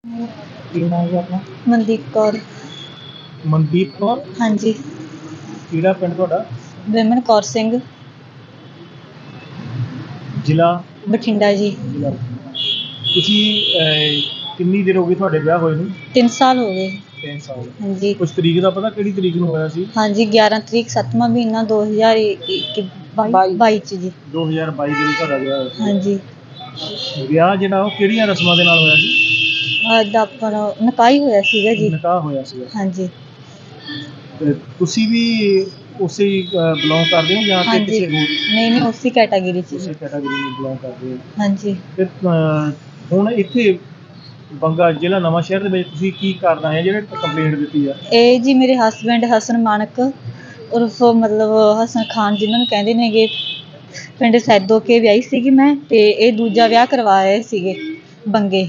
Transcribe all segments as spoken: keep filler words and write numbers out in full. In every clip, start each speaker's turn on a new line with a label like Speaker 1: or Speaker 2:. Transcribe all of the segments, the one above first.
Speaker 1: ਕੀ ਨਾਮ ਹੈ ਆਪਣਾ?
Speaker 2: ਮਨਦੀਪ ਕੌਰ।
Speaker 1: ਮਨਦੀਪ ਕੌਰ।
Speaker 2: ਹਾਂਜੀ।
Speaker 1: ਕਿਹੜਾ ਪਿੰਡ ਤੁਹਾਡਾ?
Speaker 2: ਵਿਮਨ ਕੌਰ ਸਿੰਘ,
Speaker 1: ਜ਼ਿਲ੍ਹਾ
Speaker 2: ਬਠਿੰਡਾ ਜੀ।
Speaker 1: ਜ਼ਿਲ੍ਹਾ ਬਠਿੰਡਾ। ਤੁਸੀਂ ਅਹ, ਕਿੰਨੀ ਦੇਰ ਹੋ ਗਈ ਤੁਹਾਡੇ ਵਿਆਹ ਹੋਏ ਨੂੰ?
Speaker 2: ਤਿੰਨ ਸਾਲ ਹੋ ਗਏ।
Speaker 1: ਤਿੰਨ ਸਾਲ।
Speaker 2: ਹਾਂਜੀ।
Speaker 1: ਕੁਛ ਤਰੀਕ ਦਾ ਪਤਾ ਕਿਹੜੀ ਤਰੀਕ ਨੂੰ ਹੋਇਆ ਸੀ?
Speaker 2: ਹਾਂਜੀ, ਗਿਆਰਾਂ ਤਰੀਕ ਸੱਤਵਾਂ ਮਹੀਨਾ ਦੋ ਹਜ਼ਾਰ ਇੱਕੀ ਬਾਈ ਚ ਜੀ।
Speaker 1: ਦੋ ਹਜ਼ਾਰ ਬਾਈ ਦੇ ਵਿੱਚ ਤੁਹਾਡਾ ਵਿਆਹ ਹੋਇਆ ਸੀ।
Speaker 2: ਹਾਂਜੀ।
Speaker 1: ਵਿਆਹ ਜਿਹੜਾ ਉਹ ਕਿਹੜੀਆਂ ਰਸਮਾਂ ਦੇ ਨਾਲ ਹੋਇਆ ਸੀ?
Speaker 2: ਅੱਜ ਆਪਣਾ ਨਿਕਾਹ ਹੀ ਹੋਇਆ ਸੀਗਾ ਜੀ।
Speaker 1: ਨਿਕਾਹ ਹੋਇਆ ਸੀਗਾ।
Speaker 2: ਹਾਂਜੀ।
Speaker 1: ਤੇ ਤੁਸੀਂ ਵੀ ਉਸੇ ਬਿਲੋਂਗ ਕਰਦੇ ਹੋ ਜਾਂ ਕਿ
Speaker 2: ਹਾਂਜੀ।
Speaker 1: ਕਿਸੇ ਹੋਰ?
Speaker 2: ਨਹੀਂ ਨਹੀਂ, ਉਸੇ ਕੈਟਾਗਰੀ ਚ
Speaker 1: ਉਸੇ
Speaker 2: ਜੀ।
Speaker 1: ਕੈਟਾਗਰੀ ਨੂੰ ਬਿਲੋਂਗ ਕਰਦੇ ਹੋ।
Speaker 2: ਹਾਂਜੀ।
Speaker 1: ਤੇ ਅਹ, ਹੁਣ ਇੱਥੇ ਬੰਗਾ ਜ਼ਿਲ੍ਹਾ ਨਵਾਂ ਸ਼ਹਿਰ ਦੇ ਵਿੱਚ ਤੁਸੀਂ ਕੀ ਕਰਨਾ ਹੈ ਜਿਹੜੇ ਕੰਪਲੇਂਟ ਦਿੱਤੀ ਆ?
Speaker 2: ਇਹ ਜੀ ਮੇਰੇ ਹਸਬੈਂਡ ਹਸਨ ਮਾਨਕ ਉਰਫ ਮਤਲਬ ਹਸਨ ਖਾਨ, ਜਿਹਨਾਂ ਨੂੰ ਕਹਿੰਦੇ ਨੇਗੇ, ਪਿੰਡ ਸੈਦੋ ਕੇ ਵਿਆਹੀ ਸੀਗੀ ਮੈਂ, ਤੇ ਇਹ ਦੂਜਾ ਵਿਆਹ ਕਰਵਾ ਰਹੇ ਸੀਗੇ ਬੰਗੇ।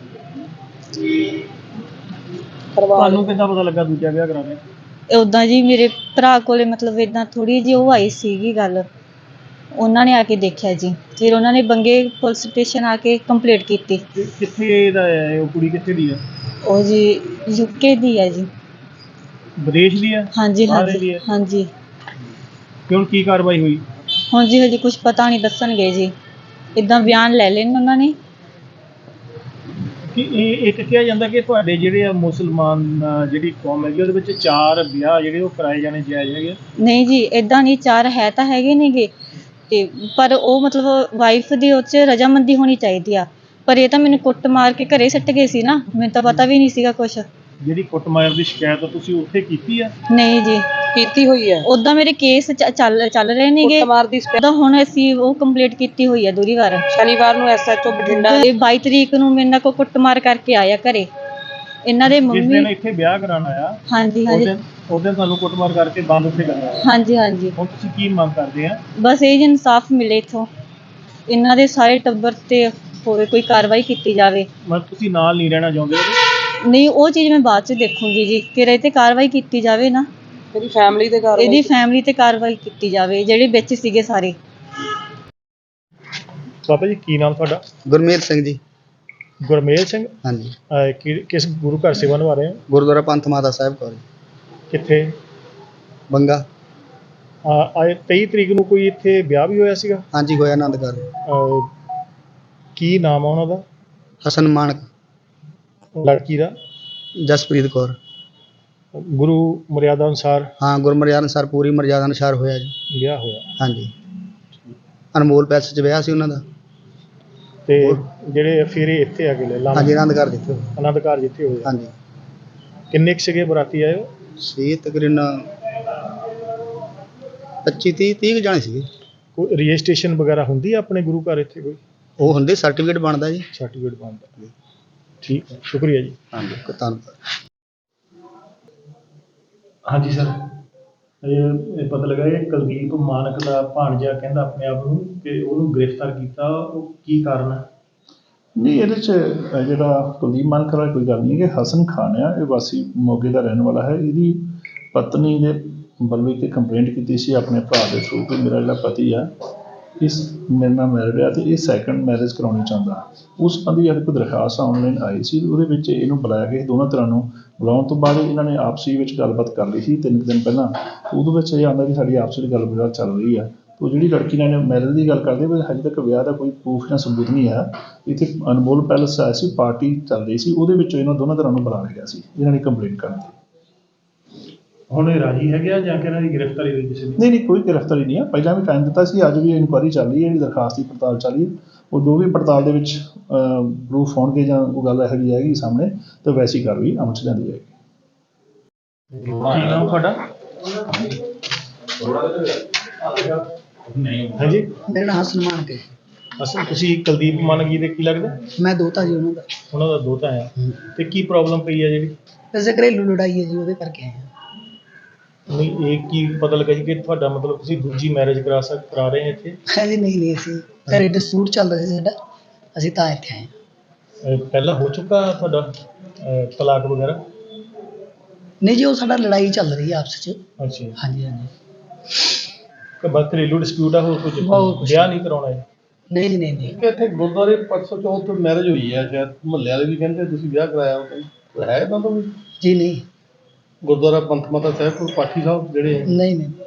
Speaker 1: ਤੁਹਾਨੂੰ ਕਿੱਦਾਂ ਪਤਾ ਲੱਗਾ ਦੂਜਾ ਵਿਆਹ ਕਰਾਉਣਾ?
Speaker 2: ਉੱਦਾਂ ਜੀ ਮੇਰੇ ਭਰਾ ਕੋਲੇ ਮਤਲਬ ਇੱਦਾਂ ਥੋੜ੍ਹੀ ਜਿਹੀ ਉਹ ਆਈ ਸੀਗੀ ਗੱਲ, ਉਹਨਾਂ ਨੇ ਆ ਕੇ ਦੇਖਿਆ ਜੀ, ਫਿਰ ਉਹਨਾਂ ਨੇ ਬੰਗੇ ਪੁਲਿਸ ਸਟੇਸ਼ਨ ਆ ਕੇ ਕੰਪਲੇਂਟ ਕੀਤੀ।
Speaker 1: ਕਿੱਥੇ ਦਾ ਹੈ ਉਹ ਕੁੜੀ? ਕਿੱਥੇ ਦੀ ਆ
Speaker 2: ਉਹ ਜੀ? ਯੂਕੇ ਦੀ ਹੈ ਜੀ।
Speaker 1: ਵਿਦੇਸ਼ ਦੀ ਆ?
Speaker 2: ਹਾਂਜੀ
Speaker 1: ਬਾਹਰ
Speaker 2: ਹਾਂਜੀ
Speaker 1: ਦੀ ਆ?
Speaker 2: ਹਾਂਜੀ।
Speaker 1: ਤੇ ਹੁਣ ਕੀ ਕਾਰਵਾਈ ਹੋਈ?
Speaker 2: ਹੁਣ ਜੀ ਹਜੇ ਕੁਛ ਪਤਾ ਨਹੀਂ, ਦੱਸਣਗੇ ਜੀ, ਇੱਦਾਂ ਬਿਆਨ ਲੈ ਲੈਣ ਉਹਨਾਂ ਨੇ।
Speaker 1: ਕਿ ਇਹ ਇੱਕ ਕਿਹਾ ਜਾਂਦਾ ਕਿ ਤੁਹਾਡੇ ਜਿਹੜੇ ਆ ਮੁਸਲਮਾਨ ਜਿਹੜੀ ਕੌਮ ਹੈਗੀ ਉਹਦੇ ਵਿੱਚ ਚਾਰ ਵਿਆਹ ਜਿਹੜੇ ਉਹ ਕਰਾਏ ਜਾਣੇ ਜਾਇਜ਼ ਹੈਗੇ?
Speaker 2: ਨਹੀਂ ਜੀ, ਇੱਦਾਂ ਨਹੀਂ, ਚਾਰ ਹੈ ਤਾਂ ਹੈਗੇ ਨੇਗੇ, ਤੇ ਪਰ ਉਹ ਮਤਲਬ ਵਾਈਫ ਦੀ ਉਹ 'ਚ ਰਜਾਮੰਦੀ ਹੋਣੀ ਚਾਹੀਦੀ ਆ। ਪਰ ਇਹ ਤਾਂ ਮੈਨੂੰ ਕੁੱਟ ਮਾਰ ਕੇ ਘਰੇ ਸੱਟ ਗਏ ਸੀ ਨਾ, ਮੈਨੂੰ ਤਾਂ ਪਤਾ ਵੀ ਨਹੀਂ ਸੀਗਾ ਕੁਛ।
Speaker 1: ਜਿਹੜੀ ਕੁੱਟਮਾਰ ਦੀ ਸ਼ਿਕਾਇਤ ਤੁਸੀਂ ਉੱਥੇ ਕੀਤੀ ਆ?
Speaker 2: ਨਹੀਂ ਜੀ, ਕੀਤੀ ਹੋਈ ਹੈ। ਉੱਦਾਂ ਮੇਰੇ ਕੇਸ ਚੱਲ ਚੱਲ ਰਹੇ ਨੇਗੇ ਕੁੱਟਮਾਰ ਦੀ। ਉਹਦਾ ਹੁਣ ਅਸੀਂ ਉਹ ਕੰਪਲੀਟ ਕੀਤੀ ਹੋਈ ਹੈ ਦੂਰੀ ਵਾਰ। ਸ਼ਨੀਵਾਰ ਨੂੰ ਐਸ ਐਚ ਓ ਬਠਿੰਡਾ ਬਾਈ ਤਰੀਕ ਨੂੰ ਮੇਰੇ ਨਾਲ ਕੋ ਕੁੱਟਮਾਰ ਕਰਕੇ ਆਇਆ ਘਰੇ। ਇਹਨਾਂ ਦੇ ਮੰਮੀ
Speaker 1: ਜਿਸ ਦਿਨ ਇੱਥੇ ਵਿਆਹ ਕਰਾਉਣ ਆਇਆ,
Speaker 2: ਹਾਂਜੀ ਹਾਂਜੀ,
Speaker 1: ਉਸ ਦਿਨ ਤੁਹਾਨੂੰ ਕੁੱਟਮਾਰ ਕਰਕੇ ਬੰਦ ਉੱਥੇ ਕਰਨਾ?
Speaker 2: ਹਾਂਜੀ ਹਾਂਜੀ।
Speaker 1: ਹੁਣ ਤੁਸੀਂ ਕੀ ਮੰਗ ਕਰਦੇ ਆ?
Speaker 2: ਬਸ ਇਹ ਜੀ ਇਨਸਾਫ ਮਿਲੇ ਇੱਥੋਂ, ਇਹਨਾਂ ਦੇ ਸਾਰੇ ਟੱਬਰ ਤੇ ਹੋਵੇ ਕੋਈ ਕਾਰਵਾਈ ਕੀਤੀ ਜਾਵੇ।
Speaker 1: ਮਤਲਬ ਤੁਸੀਂ ਨਾਲ ਨਹੀਂ ਰਹਿਣਾ ਚਾਹੁੰਦੇ?
Speaker 2: ਨਹੀਂ, ਉਹ ਚੀਜ਼ ਮੈਂ ਬਾਅਦ 'ਚ ਦੇਖੂੰਗੀ ਜੀ, ਕਿ ਇਹ 'ਤੇ ਕਾਰਵਾਈ ਕੀਤੀ ਜਾਵੇ ਨਾ, ਇਹਦੀ ਫੈਮਿਲੀ 'ਤੇ ਕਾਰਵਾਈ ਇਹਦੀ ਫੈਮਿਲੀ 'ਤੇ ਕਾਰਵਾਈ ਕੀਤੀ ਜਾਵੇ, ਜਿਹੜੇ ਵਿੱਚ ਸੀਗੇ ਸਾਰੇ।
Speaker 1: ਬਾਬਾ ਜੀ ਕੀ ਨਾਮ ਤੁਹਾਡਾ?
Speaker 3: ਗੁਰਮੇਲ ਸਿੰਘ ਜੀ।
Speaker 1: ਗੁਰਮੇਲ ਸਿੰਘ।
Speaker 3: ਹਾਂਜੀ।
Speaker 1: ਅਹ, ਕਿ ਕਿਸ ਗੁਰੂ ਘਰ ਸੇਵਾ ਨਿਭਾ ਰਹੇ ਹੋ?
Speaker 3: ਗੁਰਦੁਆਰਾ ਪੰਥ ਮਾਤਾ ਸਾਹਿਬ ਕੌਰ।
Speaker 1: ਕਿੱਥੇ?
Speaker 3: ਬੰਗਾ।
Speaker 1: ਆਏ ਤੇਈ ਤਰੀਕ ਨੂੰ ਕੋਈ ਇੱਥੇ ਵਿਆਹ ਵੀ ਹੋਇਆ ਸੀਗਾ?
Speaker 3: ਹਾਂਜੀ, ਹੋਇਆ ਆਨੰਦ ਘਰ।
Speaker 1: ਅਹ, ਕੀ ਨਾਮ ਆ ਉਹਨਾਂ ਦਾ?
Speaker 3: ਹਸਨ ਮਾਨਕ।
Speaker 1: ਲੜਕੀ ਦਾ?
Speaker 3: ਜਸਪ੍ਰੀਤ ਕੌਰ।
Speaker 1: ਗੁਰੂ ਮਰਿਆਦਾ ਅਨੁਸਾਰ?
Speaker 3: ਹਾਂ, ਗੁਰੂ ਮਰਿਆਦਾ ਅਨੁਸਾਰ, ਪੂਰੀ ਮਰਿਆਦਾ ਅਨੁਸਾਰ ਹੋਇਆ ਜੀ
Speaker 1: ਵਿਆਹ ਹੋਇਆ।
Speaker 3: ਹਾਂਜੀ, ਅਨਮੋਲ ਪੈਲਸ 'ਚ ਵਿਆਹ ਸੀ ਉਹਨਾਂ ਦਾ।
Speaker 1: ਤੇ ਜਿਹੜੇ ਫਿਰ ਇਹ ਇੱਥੇ ਆ ਗਏ?
Speaker 3: ਹਾਂਜੀ, ਆਨੰਦ ਘਰ ਜਿੱਥੇ
Speaker 1: ਆਨੰਦ ਘਰ ਜਿੱਥੇ ਹੋਇਆ।
Speaker 3: ਹਾਂਜੀ।
Speaker 1: ਕਿੰਨੇ ਕੁ ਸੀਗੇ ਬਰਾਤੀ ਆਏ ਹੋ?
Speaker 3: ਸੀ ਤਕਰੀਬਨ ਪੱਚੀ ਤੀਹ ਤੀਹ ਜਾਣੇ ਸੀਗੇ।
Speaker 1: ਕੋਈ ਰਜਿਸਟ੍ਰੇਸ਼ਨ ਵਗੈਰਾ ਹੁੰਦੀ ਆ ਆਪਣੇ ਗੁਰੂ ਘਰ ਇੱਥੇ ਕੋਈ?
Speaker 3: ਉਹ ਹੁੰਦੇ, ਸਰਟੀਫਿਕੇਟ ਬਣਦਾ ਜੀ।
Speaker 1: ਸਰਟੀਫਿਕੇਟ ਬਣਦਾ। ਠੀਕ ਹੈ, ਸ਼ੁਕਰੀਆ ਜੀ।
Speaker 3: ਹਾਂਜੀ, ਧੰਨਵਾਦ।
Speaker 1: ਹਾਂਜੀ ਸਰ, ਇਹ ਪਤਾ ਲੱਗਾ ਇਹ ਕੁਲਦੀਪ ਮਾਨਕ ਦਾ ਭਾਣਜਾ ਕਹਿੰਦਾ ਆਪਣੇ ਆਪ ਨੂੰ ਕਿ ਉਹਨੂੰ ਗ੍ਰਿਫਤਾਰ ਕੀਤਾ, ਉਹ ਕੀ ਕਾਰਨ ਹੈ?
Speaker 4: ਨਹੀਂ, ਇਹਦੇ 'ਚ ਜਿਹੜਾ ਕੁਲਦੀਪ ਮਾਨਕ ਵਾਲਾ ਕੋਈ ਗੱਲ ਨਹੀਂ ਹੈ ਕਿ ਹਸਨ ਖਾਨ ਆ, ਇਹ ਵਾਸੀ ਮੋਗੇ ਦਾ ਰਹਿਣ ਵਾਲਾ ਹੈ। ਇਹਦੀ ਪਤਨੀ ਨੇ ਵੱਲੋਂ ਇੱਕ ਕੰਪਲੇਂਟ ਕੀਤੀ ਸੀ ਆਪਣੇ ਭਰਾ ਦੇ ਥਰੂ ਕਿ ਮੇਰਾ ਜਿਹੜਾ ਪਤੀ ਆ ਇਸ ਮੇਰੇ ਨਾਲ ਮੈਰਿਡ ਆ ਅਤੇ ਇਹ ਸੈਕਿੰਡ ਮੈਰਿਜ ਕਰਾਉਣੀ ਚਾਹੁੰਦਾ। ਉਸ ਸੰਬੰਧੀ ਇੱਕ ਦਰਖਾਸਤ ਆਨਲਾਈਨ ਆਈ ਸੀ, ਉਹਦੇ ਵਿੱਚ ਇਹਨੂੰ ਬੁਲਾਇਆ ਗਿਆ, ਦੋਨਾਂ ਤਰ੍ਹਾਂ ਨੂੰ ਬੁਲਾਉਣ ਤੋਂ ਬਾਅਦ ਇਹਨਾਂ ਨੇ ਆਪਸੀ ਵਿੱਚ ਗੱਲਬਾਤ ਕਰ ਲਈ ਸੀ ਤਿੰਨ ਕੁ ਦਿਨ ਪਹਿਲਾਂ। ਉਹਦੇ ਵਿੱਚ ਇਹ ਆਉਂਦਾ ਕਿ ਸਾਡੀ ਆਪਸ ਵਿੱਚ ਗੱਲਬਾਤ ਚੱਲ ਰਹੀ ਆ। ਉਹ ਜਿਹੜੀ ਲੜਕੀ ਨਾਲ ਮੈਰਿਜ ਦੀ ਗੱਲ ਕਰਦੇ ਪਰ ਹਜੇ ਤੱਕ ਵਿਆਹ ਦਾ ਕੋਈ ਪ੍ਰੂਫ ਜਾਂ ਸਬੂਤ ਨਹੀਂ ਹੈ। ਇੱਥੇ ਅਨਮੋਲ ਪੈਲਸ ਆਇਆ ਸੀ, ਪਾਰਟੀ ਚੱਲ ਰਹੀ ਸੀ, ਉਹਦੇ ਵਿੱਚ ਇਹਨਾਂ ਦੋਨਾਂ ਤਰ੍ਹਾਂ ਨੂੰ ਬੁਲਾ ਲਿਆ ਗਿਆ ਸੀ ਇਹਨਾਂ ਨੇ ਕੰਪਲੇਂਟ ਕਰਨ ਦੀ।
Speaker 1: ਹੁਣ ਇਹ ਰਾਜੀ ਹੈਗੇ ਆ ਜਾਂ ਕਿ ਇਹਨਾਂ ਦੀ ਗ੍ਰਿਫਤਾਰੀ ਹੋਈ ਕਿਸੇ ਦੀ?
Speaker 4: ਨਹੀਂ ਨਹੀਂ, ਕੋਈ ਗ੍ਰਿਫਤਾਰੀ ਨਹੀਂ ਹੈ। ਪਹਿਲਾਂ ਵੀ ਟਾਈਮ ਦਿੱਤਾ ਸੀ, ਅੱਜ ਵੀ ਇਨਕੁਆਇਰੀ ਚੱਲ ਰਹੀ ਹੈ, ਜਿਹੜੀ ਦਰਖਾਸਤ ਦੀ ਪੜਤਾਲ ਚੱਲ ਰਹੀ ਹੈ। ਉਹ ਜੋ ਵੀ ਪੜਤਾਲ ਦੇ ਵਿੱਚ ਪ੍ਰੂਫ ਹੋਣਗੇ ਜਾਂ ਉਹ ਗੱਲ ਇਹੋ ਜਿਹੀ ਆਏਗੀ ਸਾਹਮਣੇ ਤਾਂ ਵੈਸੀ ਕਾਰਵਾਈ ਅਮਲ 'ਚ ਲਿਆਂਦੀ ਜਾਏਗੀ।
Speaker 1: ਕੀ ਨਾਮ ਤੁਹਾਡਾ? ਹਾਂਜੀ,
Speaker 5: ਮੇਰਾ ਨਾਮ ਹਸਨ ਮਾਨਕ ਹੈ।
Speaker 1: ਅਸਲ ਤੁਸੀਂ ਕੁਲਦੀਪ ਮਾਨਕ ਜੀ ਦੇ ਕੀ ਲੱਗਦਾ?
Speaker 5: ਮੈਂ ਦੋਤਾ ਜੀ ਉਹਨਾਂ ਦਾ।
Speaker 1: ਉਹਨਾਂ ਦਾ ਦੋਤਾ ਆ। ਤੇ ਕੀ ਪ੍ਰੋਬਲਮ ਪਈ ਆ ਜਿਹੜੀ?
Speaker 5: ਵੈਸੇ ਘਰੇਲੂ ਲੜਾਈ ਹੈ ਜੀ, ਉਹਦੇ ਕਰਕੇ ਆਏ ਹਾਂ।
Speaker 1: ਨਹੀਂ, ਇਹ ਕੀ ਪਤਾ ਲੱਗਾ ਜੀ ਕਿ ਤੁਹਾਡਾ ਮਤਲਬ ਤੁਸੀਂ ਦੂਜੀ ਮੈਰਿਜ ਕਰਾ ਸਕ ਕਰਾ ਰਹੇ ਇੱਥੇ?
Speaker 5: ਹਾਂਜੀ, ਨਹੀਂ ਨਹੀਂ, ਅਸੀਂ ਘਰੇ ਡਿਸਪਿਊਟ ਚੱਲ ਰਿਹਾ ਸੀ ਸਾਡਾ, ਅਸੀਂ ਤਾਂ ਇੱਥੇ ਆਏ ਹਾਂ।
Speaker 1: ਅਹ ਪਹਿਲਾਂ ਹੋ ਚੁੱਕਾ ਤੁਹਾਡਾ ਅਹ ਤਲਾਕ ਵਗੈਰਾ?
Speaker 5: ਨਹੀਂ ਜੀ, ਉਹ ਸਾਡਾ ਲੜਾਈ ਚੱਲ ਰਹੀ ਹੈ ਆਪਸ 'ਚ।
Speaker 1: ਅੱਛਾ ਜੀ।
Speaker 5: ਹਾਂਜੀ ਹਾਂਜੀ।
Speaker 1: ਕਿ ਬਸ ਘਰੇਲੂ ਡਿਸਪਿਊਟ ਆ, ਹੋਰ ਕੁਝ
Speaker 5: ਹੋਰ ਕੁਛ
Speaker 1: ਵਿਆਹ ਨਹੀਂ ਕਰਾਉਣਾ ਹੈ?
Speaker 5: ਨਹੀਂ ਜੀ, ਨਹੀਂ ਨਹੀਂ
Speaker 6: ਕਿ ਇੱਥੇ ਗੁਰਦੁਆਰੇ ਪਰਸੋਂ ਚੌਥ ਮੈਰਿਜ ਹੋਈ ਹੈ, ਸ਼ਾਇਦ ਮੁਹੱਲੇ ਵਾਲੇ ਵੀ ਕਹਿੰਦੇ ਤੁਸੀਂ ਵਿਆਹ ਕਰਾਇਆ ਉਹ ਹੈ ਇੱਦਾਂ ਦਾ ਵੀ?
Speaker 5: ਜੀ, ਨਹੀਂ
Speaker 6: ਗੁਰਦੁਆਰਾ ਪੰਥ ਮਾਤਾ ਸਾਹਿਬ ਕੋਲ ਪਾਠੀ ਸਾਹਿਬ ਜਿਹੜੇ
Speaker 5: ਨਹੀਂ ਨਹੀਂ